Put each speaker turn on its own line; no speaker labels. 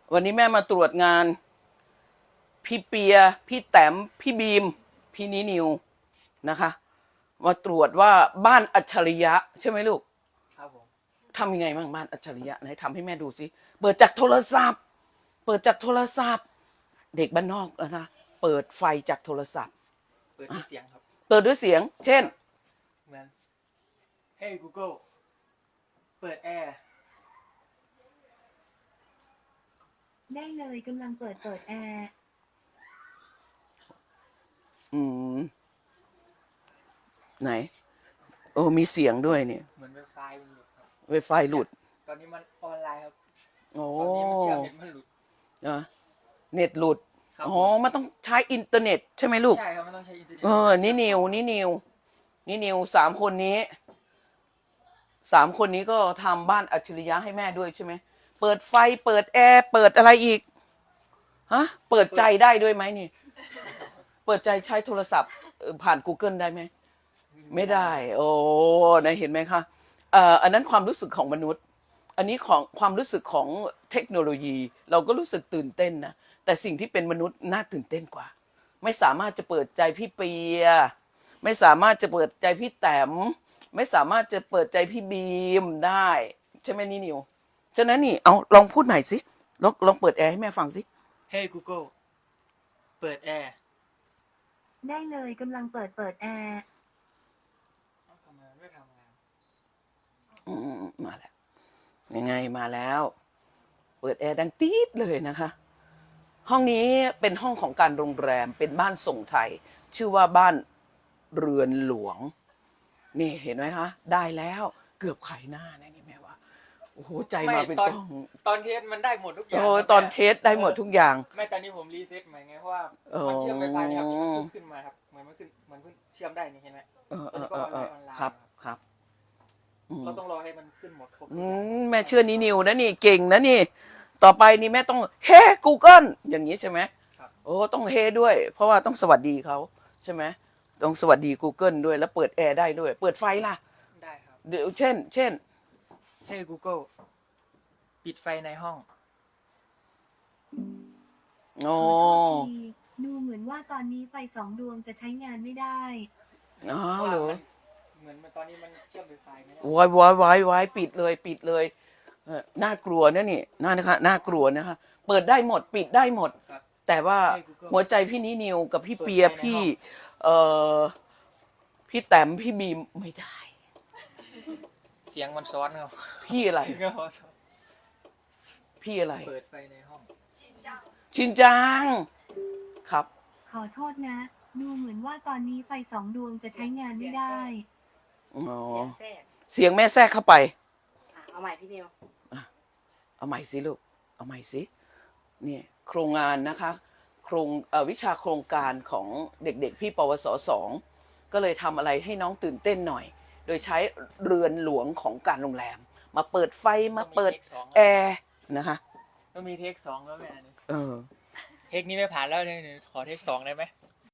วันนี้แม่มาตรวจงานพี่เปียพี่แต้มพี่บีมพี่นิวนะคะมาตรวจว่าบ้านอัจฉริยะใช่ไหมลูก
ครับผม
ทำยังไงบ้างบ้านอัจฉริยะไหนทำให้แม่ดูสิเปิดจากโทรศัพท์เปิดจากโทรศัพท์เด็กบ้านนอกนะเปิดไฟจากโทรศัพท์
เปิดด้วยเสียงครับ
เปิดด้วยเสียงเช่น
เหมือน Hey Google เปิดแอร์
ได้เลยกำลังเปิดแอร์
อืมไหนโอ้มีเสียงด้วยเนี่ย
เหมือนไวไฟมันหลุดครับ
ไวไฟหลุด
ตอนนี้มันออนไลน์ครับ
โอ้
ตอนนี้มันเชื่อมเน็ตมันหลุด
นะเน็ตหลุด
ครับ
อ๋อมันต้องใช้อินเทอร์เน็ตใช่ไหมลูก
ใช่ครับมันต้องใช้อินเทอร์เน็ต
นี่นิวสามคนนี้ก็ทำบ้านอัจฉริยะให้แม่ด้วยใช่ไหมเปิดไฟเปิดแอร์เปิดอะไรอีกฮะเปิดใจได้ด้วยไหมนี่เปิดใจใช้โทรศัพท์ผ่าน Google ได้ไหมไม่ได้โอ้นะเห็นไหมคะอันนั้นความรู้สึกของมนุษย์อันนี้ของความรู้สึกของเทคโนโลยีเราก็รู้สึกตื่นเต้นนะแต่สิ่งที่เป็นมนุษย์น่าตื่นเต้นกว่าไม่สามารถจะเปิดใจพี่เปียไม่สามารถจะเปิดใจพี่แต้มไม่สามารถจะเปิดใจพี่บีมได้ใช่ไหมนี่นิวฉะนั้นนี่เอาลองพูดใหม่สิลองเปิดแอร์ให้แม่ฟังสิ
Hey Google เปิดแอร์
ได้เลยกำลังเปิดแอร์
ทำไมไม่ทำงาน
มาแล้วยังไงมาแล้ว เปิดแอร์ดังตี๊ดเลยนะคะห้องนี้เป็นห้องของการโรงแรมเป็นบ้านทรงไทยชื่อว่าบ้านเรือนหลวงนี่เห็นไหมคะได้แล้วเกือบไขหน้านะนี่แม่ว่าโอ้โหใจมาเป็นกล้อง
ตอนเทสมันได้หมดทุกอย่าง
โอ้ตอนเทสได้หมดทุกอย่าง
ไม่ตอนนี้ผมรีเซ็ตใหม่ไงเพราะว่ามันเชื่อมไวไฟเนี่ยครับมันขึ้นมาครับมันขึ้นเชื่อมได้นี่เห็นไหมตอนนี้ก็ออนไลน์
ครับ
เราต้องรอให้มันขึ้นหมดครบ
แม่เชื่อนี่นิวนะนี่เก่งนะนี่ต่อไปนี่แม่ต้องเฮ้ Google อย่างนี้ใช่ไหมโอ้ต้องเฮด้วยเพราะว่าต้องสวัสดีเขาใช่ไหมต้องสวัสดี Google ด้วยแล้วเปิดแอร์ได้ด้วยเปิดไฟล่ะ
ได้ครับ
เดี๋ยวเช่น
Hey Google ปิดไฟในห้อง
โอ้
ขอโทษทีดูเหมือนว่าตอนนี้ไฟ2 ดวงจะใช้งานไม่ได้
อ๋อเหรอ
เหมือนตอนนี้มันเชื่อมไวไฟไม่ได้
ไว้ปิดเลยน่ากลัวนะนี่น่ากลัวนะคะเปิดได้หมดปิดได้หมดแต่ว่าหัวใจพี่นิวกับพี่เปียพี่พี่แต้มพี่บีมไม่ได้
เสียงมันซ้อนครับ
พี่อะไรพี่อะไร
เปิดไฟในห้อง
ชินจังครับ
ขอโทษนะดูเหมือนว่าตอนนี้ไฟ2 ดวงจะใช้งานไม่ได้
อ๋อ
เสียงแทรก
เสียงแม่แทรกเข้าไป
เอาใหม่พี่นิว
เอาใหม่สิลูกเอาใหม่สิเนี่ยโครงงานนะคะวิชาโครงการของเด็กๆพี่ปวส2ก็เลยทำอะไรให้น้องตื่นเต้นหน่อยโดยใช้เรือนหลวงของการโรงแรมมาเปิดไฟมาเปิดแอร์นะคะ
ต้องมีเทค2แล้วแม่
เออ
เทคนี้ไม่ผ่านแล้วเนี่ยขอเทค2ได้ไหม